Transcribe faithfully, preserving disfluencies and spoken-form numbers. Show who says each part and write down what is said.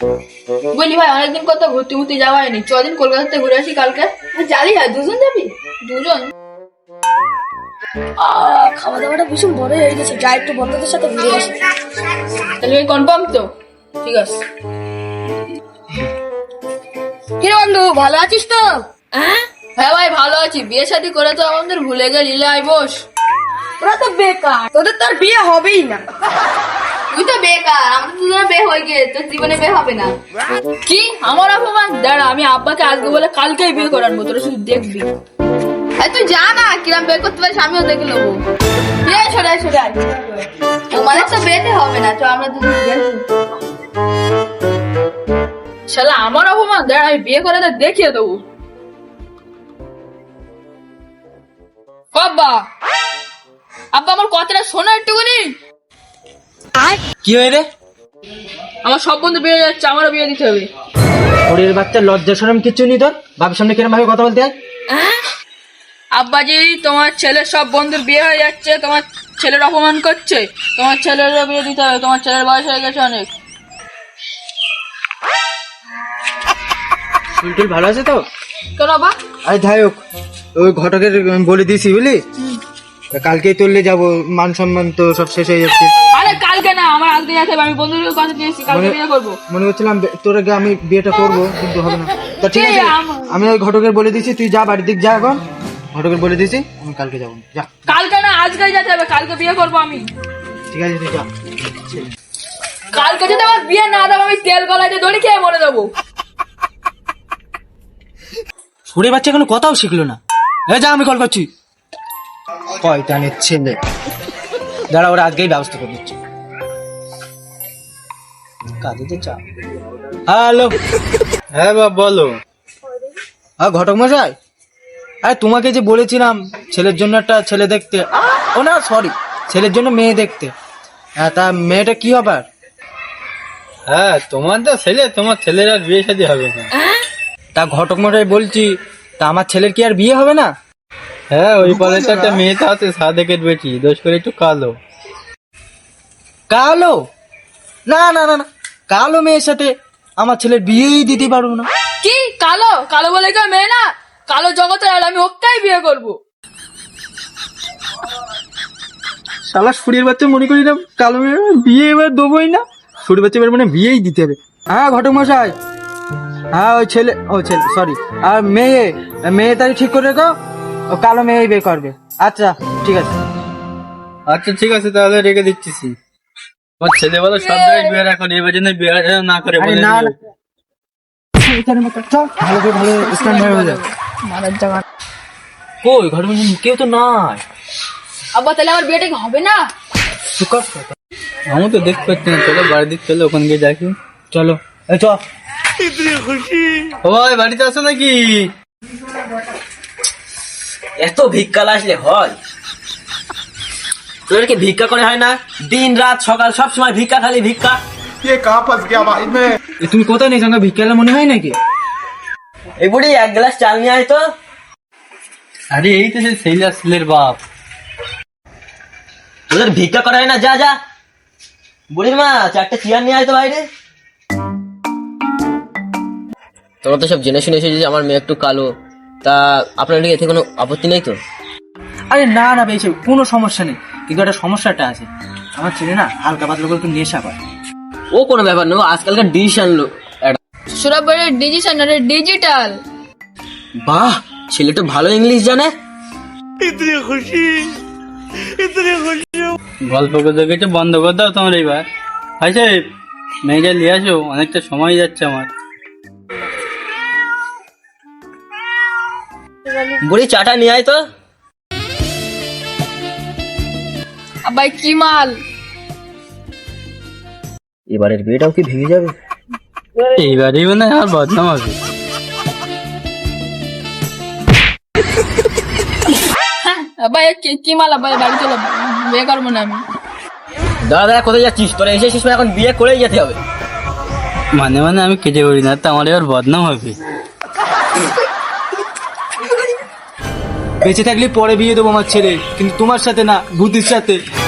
Speaker 1: বলি ভাই অনেকদিন কত ঘুরতে ঘুরতে যাওয়া হয়নি, চদিন কলকাতা থেকে ঘুরে আসি কালকে। জানি হয় দুজন যাবি? দুজন
Speaker 2: আহ, খাওয়া দাওয়াটা ভীষণ বড় হয়ে গেছে, যাই একটু বন্ধুদের সাথে ঘুরে আসি।
Speaker 1: তাহলে কনফার্ম তো? ঠিক আছে।
Speaker 2: কিরে বন্ধু, ভালো আছিস তো? হ্যাঁ
Speaker 1: হ্যাঁ ভাই ভালো আছি। বিয়ে শাদী করে তো আমাদের ভুলে গেলি। লাই বস।
Speaker 2: ওরা তো বেকার, তোদের তো আর বিয়ে হবেই না।
Speaker 1: তুই তো বেকার, আমাদের দুজনে বিয়ে হয়ে গিয়ে তোর জীবনে বিয়ে হবে না। কি আমার অপমান? দাঁড়া, আমি আব্বাকে আজকে বলে কালকেই বিয়ে করাবো, তোরা শুধু দেখবি। এই তুই যা না, কিরম বিয়ে করতে পারিস আমিও দেখে নেবো। বিয়ে সরাই সরাই, তোমাদের তো বিয়েতে হবে না, তো আমরা দুজন দেখবো। শালা আমার অপমান, দাঁড়া আমি বিয়ে করে দেখিয়ে দেবো। আব্বা আব্বা আমার কথাটা শোনা একটুখানি।
Speaker 3: কি হয়ে রে?
Speaker 1: আমার সব বন্ধু বিয়ে যাচ্ছে, আমারও বিয়ে দিতে হবে।
Speaker 3: শরীরের বাচ্চা লজ্জা শরম কিচ্ছু নেই তোর? বাবার সামনে কিরম ভাবে কথা বলতে হয়?
Speaker 1: আব্বাজি তোমার ছেলের সব বন্ধুর বিয়ে হয়ে যাচ্ছে, তোমার ছেলের অপমান করছে, তোমার ছেলেরও বিয়ে দিতে হবে, তোমার ছেলের বয়স হয়ে গেছে অনেক।
Speaker 3: চুলটুল ভালো আছে তো?
Speaker 1: কেন বাবা?
Speaker 3: আরে যাই হোক, ওই ঘটকের বলে দিয়েছি বুঝলি, কালকেই তুললে যাবো, মান সম্মান তো সব শেষ হয়ে যাচ্ছে।
Speaker 1: আরে কালকে না, আমার আজকে যেতে হবে, আমি বন্ধুদের কথা দিয়েছি কালকে বিয়ে করবো।
Speaker 3: মনে করছিলাম বে- তোর আগে আমি বিয়েটা করবো, কিন্তু হবে না। তা ঠিক আছে,
Speaker 1: এই আম-
Speaker 3: আমি ওই ঘটকের বলে দিয়েছি, তুই যা বাড়ির দিক যা এখন। ঘটকের বলে দিয়েছি আমি কালকে যাবো, যা।
Speaker 1: কালকে না আজকেই যেতে হবে, কালকে বিয়ে করবো আমি।
Speaker 3: ঠিক আছে তুই যা।
Speaker 1: কালকে যদি আমার বিয়ে না দেবো, আমি তেল গলায় দড়ি খেয়ে মরে যাবো।
Speaker 3: সুরে বাচ্চা কোনো কথাও শিখলো না। এ যা, আমি কল করছি। কয়টানের ছেলে, দাঁড়া ওরা আজকেই ব্যবস্থা করে দিচ্ছে। কাজে তো চা। হ্যালো।
Speaker 4: হ্যাঁ বাবা বলো।
Speaker 3: হ্যাঁ ঘটক মশাই, আরে তোমাকে যে বলেছিলাম ছেলের জন্য একটা ছেলে দেখতে, ও না সরি, ছেলের জন্য মেয়ে দেখতে। হ্যাঁ তা মেয়েটা কি হবার?
Speaker 4: হ্যাঁ তোমার তো ছেলে, তোমার ছেলের আর বিয়ে শাদী হবে না।
Speaker 3: তা ঘটক মশাই বলছি, তা আমার ছেলের কি আর বিয়ে হবে না?
Speaker 4: হ্যাঁ ওই পাশে একটা মেয়ে তো আছে, সাদেকের বেটি, দোষ করে একটু কালো।
Speaker 3: কালো? না না না না, কালো মেয়ের সাথে আমার ছেলের বিয়েই দিতে পারবো না।
Speaker 1: কি কালো? কালো বলে কেউ মেয়ে না? কালো জগতের আলো, আমি ওকেই বিয়ে করবো।
Speaker 3: শালা সুরের বাচ্চা মনে করি না কালো মেয়ের বিয়ে এবার দেবোই না। সুরের বাচ্চা এবার মানে বিয়েই দিতে হবে। হ্যাঁ ঘটক মশাই, হ্যাঁ ওই ছেলে, ও ছেলে সরি, আর মেয়ে, মেয়ে তাই ঠিক করে রেখো, ও কালো মেয়েই বিয়ে করবে। আচ্ছা ঠিক আছে।
Speaker 4: আচ্ছা ঠিক আছে তাহলে রেখে দিচ্ছি। তোমার ছেলে বলো সব জায়গায় বিয়ে রাখো, এবার জন্য বিয়ে না করে
Speaker 3: আরে
Speaker 4: বলে
Speaker 3: না
Speaker 4: দিও।
Speaker 3: না, চল, ভালো করে ভালো স্ট্যান্ড হয়ে যায়।
Speaker 1: মারার জায়গা।
Speaker 3: কই ঘটক মশাই কেউ তো নাই।
Speaker 1: আব্বা তাহলে আমার বিয়েটা কি হবে না?
Speaker 3: তুই কর।
Speaker 4: আমি তো দেখতে পাচ্ছি না, চলো বাড়ির দিক চলো, ওখানে গিয়ে দেখি।
Speaker 3: চলো এই চ।
Speaker 4: ও ভাই বাড়িতে আসো নাকি?
Speaker 5: এত ভিক্ষা আসলে হয়? তোদেরকে ভিক্ষা করে হয় না? দিন রাত সকাল সব সময় ভিক্ষা, খালি ভিক্ষা।
Speaker 6: ये कहाँ फंस गया भाई मैं।
Speaker 3: এ তুমি কোথায় নেই সঙ্গে ভিক্ষালা মনে হয় নাকি?
Speaker 5: এই বুড়ি এক গ্লাস চাল নিয়ে আয় তো।
Speaker 4: আরে এই তো সেই ছেলে আর ছেলের বাপ।
Speaker 5: তোদের ভিক্ষা করা হয় না? যা যা। বুড়ির মা চারটে চেয়ার নিয়ে আয় তো বাইরে। তোমরা তো সব জেনে শুনে এসেছো যে আমার মেয়ে একটু কালো, তা আপনার এতে কোনো আপত্তি নেই তো?
Speaker 3: আরে না না বেশি কোনো সমস্যা নেই, কিন্তু একটা সমস্যাটা আছে। আমার ছেলে না হালকা পাতলা করে একটু নেশা করে।
Speaker 5: ও কোনো ব্যাপার নয়, ও আজকালকার ডিশ আনলো একটা।
Speaker 1: সুরাবাড়ির ডিজিটাল না, ডিজিটাল।
Speaker 5: বাহ, ছেলে তো ভালো ইংলিশ জানে।
Speaker 4: গল্প করতে গেছে বন্ধ করে দাও তোমার এইবার। ভাই সাহেব মেয়েটা নিয়ে আসো, অনেকটা সময় যাচ্ছে আমার।
Speaker 5: বুড়ি চাটা নিয়ে আয় তো।
Speaker 1: আব্বাই কি মাল?
Speaker 5: এবারের বিয়েটাও কি ভেঙে যাবে?
Speaker 4: এইবারই মানে আর বদনাম হবে।
Speaker 1: আব্বাই কি- কি মাল? আব্বাই বাড়ি চলো, বিয়ে করবো না আমি।
Speaker 5: দাদা দাদা কোথায় যাচ্ছিস? তোরা এসেছিস মানে এখন বিয়ে করেই যেতে হবে।
Speaker 4: মানে মানে আমি কেটে পড়ি না, তো আমার এবার বদনাম হবে।
Speaker 3: বেঁচে থাকলে পরে বিয়ে দেবো আমার ছেলে, কিন্তু তোমার সাথে না, ভূতির সাথে।